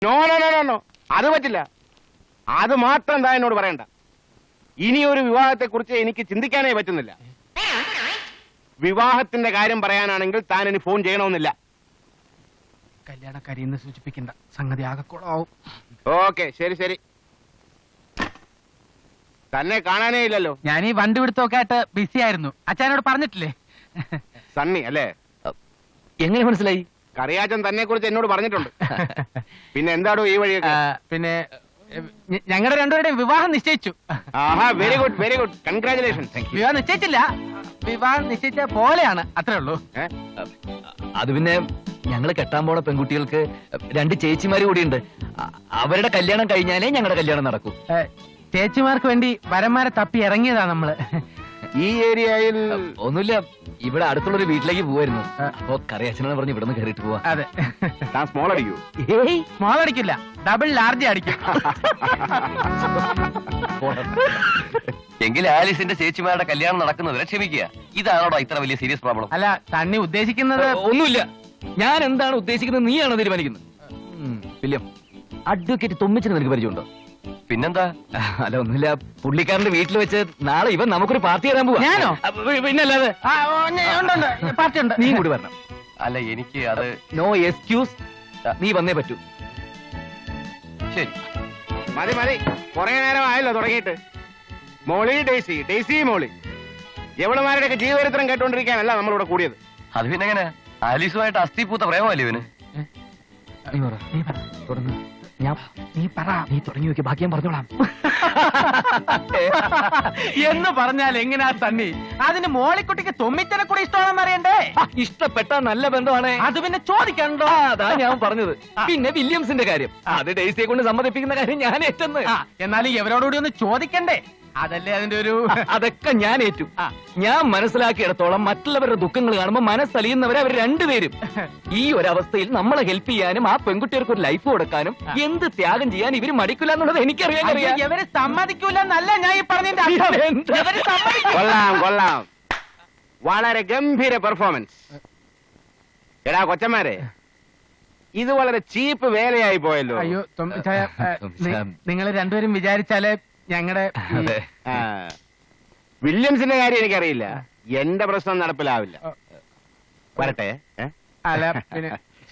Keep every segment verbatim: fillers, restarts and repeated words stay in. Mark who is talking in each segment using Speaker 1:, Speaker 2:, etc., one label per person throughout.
Speaker 1: No no no no അത് പറ്റില്ല. അത് മാത്രം എന്താ എന്നോട് പറയണ്ട. ഇനിയൊരു വിവാഹത്തെ കുറിച്ച് എനിക്ക് ചിന്തിക്കാനേ പറ്റുന്നില്ല. വിവാഹത്തിന്റെ കാര്യം പറയാനാണെങ്കിൽ താൻ ഇനി ഫോൺ ചെയ്യണമെന്നില്ല.
Speaker 2: കല്യാണക്കാരി എന്ന് സൂചിപ്പിക്കേണ്ട സംഗതി ആകെക്കുളമാവും.
Speaker 1: ഓക്കെ, ശരി ശരി. തന്നെ കാണാനേ ഇല്ലല്ലോ.
Speaker 2: ഞാൻ ഈ വണ്ടി പിടുത്തമൊക്കെ ആയിട്ട് ബിസി ആയിരുന്നു. അച്ഛനോട് പറഞ്ഞിട്ടില്ലേ?
Speaker 1: സണ്ണി അല്ലേ?
Speaker 3: എങ്ങനെ മനസ്സിലായി?
Speaker 1: കറിയാച്ചൻ തന്നെ കുറിച്ച് എന്നോട് പറഞ്ഞിട്ടുണ്ട്. പിന്നെ എന്താടോ ഈ വഴിയൊക്കെ?
Speaker 2: പിന്നെ ഞങ്ങളുടെ രണ്ടുപേരുടെയും വിവാഹം നിശ്ചയിച്ചു.
Speaker 1: ആഹാ, very good very good, congratulation.
Speaker 2: വിവാഹം നിശ്ചയിച്ചില്ല, വിവാഹം നിശ്ചയിച്ച പോലെയാണ്, അത്രേ ഉള്ളൂ.
Speaker 3: അത് പിന്നെ ഞങ്ങള് കെട്ടാൻ പോണ പെൺകുട്ടികൾക്ക് രണ്ട് ചേച്ചിമാര് കൂടിയുണ്ട്. അവരുടെ കല്യാണം കഴിഞ്ഞാലേ ഞങ്ങളുടെ കല്യാണം നടക്കൂ.
Speaker 2: ചേച്ചിമാർക്ക് വേണ്ടി വരന്മാരെ തപ്പി ഇറങ്ങിയതാ നമ്മള്.
Speaker 1: ഈ ഏരിയയിൽ
Speaker 3: ഒന്നുമില്ല, ഇവിടെ അടുത്തുള്ളൊരു വീട്ടിലേക്ക് പോവായിരുന്നു. അപ്പൊ കറിയച്ഛനെന്ന് പറഞ്ഞ് ഇവിടെ നിന്ന് കയറിയിട്ട് പോവാ.
Speaker 2: അതെ.
Speaker 1: താൻ സ്മോൾ അടിക്കൂ?
Speaker 2: ഏയ് സ്മോൾ അടിക്കില്ല, ഡബിൾ ലാർജ് അടിക്കും.
Speaker 4: എങ്കിൽ ആലീസിന്റെ ചേച്ചിമാരുടെ കല്യാണം നടക്കുന്നതിനെ ക്ഷമിക്കുക. ഇതാണോടോ ഇത്ര വലിയ സീരിയസ് പ്രോബ്ലം?
Speaker 2: അല്ല, തണ്ണി ഉദ്ദേശിക്കുന്നത്
Speaker 3: ഒന്നുമില്ല. ഞാൻ എന്താണ് ഉദ്ദേശിക്കുന്നത് നീയാണോ തീരുമാനിക്കുന്നത്? വില്യം, അഡ്വക്കേറ്റ് തൊമ്മിച്ചിന് നിനക്ക് പരിചയമുണ്ടോ?
Speaker 4: പിന്നെന്താ?
Speaker 3: അല്ല, ഒന്നുമില്ല, പുള്ളിക്കാരന്റെ വീട്ടിൽ വെച്ച് നാളെ ഇവൻ നമുക്കൊരു പാർട്ടി തരാൻ പോവാ.
Speaker 2: ഞാനോ?
Speaker 3: പിന്നല്ലാതെ
Speaker 2: പാർട്ടി ഉണ്ട്,
Speaker 3: നീ കൂടി വരണം.
Speaker 4: അല്ല, എനിക്ക് അത്
Speaker 3: നോ എക്സ്ക്യൂസ്, നീ വന്നേ പറ്റൂ.
Speaker 4: ശരി,
Speaker 1: മതി മതി, കുറെ നേരം ആയല്ലോ തുടങ്ങിയിട്ട്. മോളി ഡേസി, ഡേസി മോളി, എവളുമാരുടെയൊക്കെ ജീവചരിത്രം കേട്ടോണ്ടിരിക്കാനല്ല നമ്മളിവിടെ കൂടിയത്.
Speaker 4: അത് പിന്നെ എങ്ങനെ? ആലീസുമായിട്ട് അസ്ഥിപൂത്ത പ്രേമല്ലേ ഇവന്?
Speaker 3: നീ പറ, നീ പറ, തുടങ്ങ്. ഞാൻ
Speaker 2: നീ പറ,
Speaker 3: നീ തുടങ്ങി വെക്ക്, ബാക്കി ഞാൻ പറഞ്ഞോളാം.
Speaker 2: എന്ന് പറഞ്ഞാൽ എങ്ങനെയാ തണ്ണി? അതിന് മോളിക്കുട്ടിക്ക് തൊമ്മിച്ചനെ കൂടി ഇഷ്ടമാണെന്ന് അറിയണ്ടേ?
Speaker 3: ഇഷ്ടപ്പെട്ട നല്ല ബന്ധമാണ്.
Speaker 2: അത് പിന്നെ ചോദിക്കണ്ടോ?
Speaker 3: അതാ ഞാൻ പറഞ്ഞത്. പിന്നെ വില്യംസിന്റെ കാര്യം, അത് ഡേസിയെ കൊണ്ട് സമ്മതിപ്പിക്കുന്ന കാര്യം ഞാൻ ഏറ്റെന്ന്.
Speaker 2: എന്നാലും ഇവരോടുകൂടി ഒന്ന് ചോദിക്കണ്ടേ? അതല്ലേ അതിന്റെ ഒരു...
Speaker 3: അതൊക്കെ ഞാൻ ഏറ്റു. ഞാൻ മനസ്സിലാക്കിയിടത്തോളം മറ്റുള്ളവരുടെ ദുഃഖങ്ങൾ കാണുമ്പോൾ മനസ്സലിയുന്നവരെ അവർ രണ്ടുപേരും. ഈ ഒരവസ്ഥയിൽ നമ്മളെ ഹെൽപ്പ് ചെയ്യാനും ആ പെൺകുട്ടികൾക്ക് ഒരു ലൈഫ് കൊടുക്കാനും എന്ത് ത്യാഗം ചെയ്യാൻ ഇവര് മടിക്കില്ല എന്നുള്ളത് എനിക്കറിയാൻ അറിയാം.
Speaker 2: ഇവര് സമ്മതിക്കൂല എന്നല്ല ഞാൻ ഈ പറഞ്ഞതിന്റെ അർത്ഥം.
Speaker 1: കൊള്ളാം കൊള്ളാം, വളരെ ഗംഭീര പെർഫോമൻസ്. എടാ കൊച്ചന്മാരെ, ഇത് വളരെ ചീപ്പ് വേലയായി പോയല്ലോ.
Speaker 2: അയ്യോ നിങ്ങൾ രണ്ടുപേരും വിചാരിച്ചാലേ ഞങ്ങളുടെ...
Speaker 1: വില്യംസിന്റെ കാര്യം എനിക്കറിയില്ല, എന്റെ പ്രശ്നം നടപ്പിലാവില്ല. വരട്ടെ.
Speaker 2: അല്ല പിന്നെ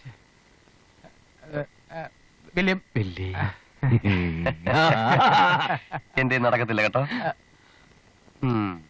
Speaker 2: വില്യം
Speaker 4: എന്റെ നടക്കത്തില്ല കേട്ടോ.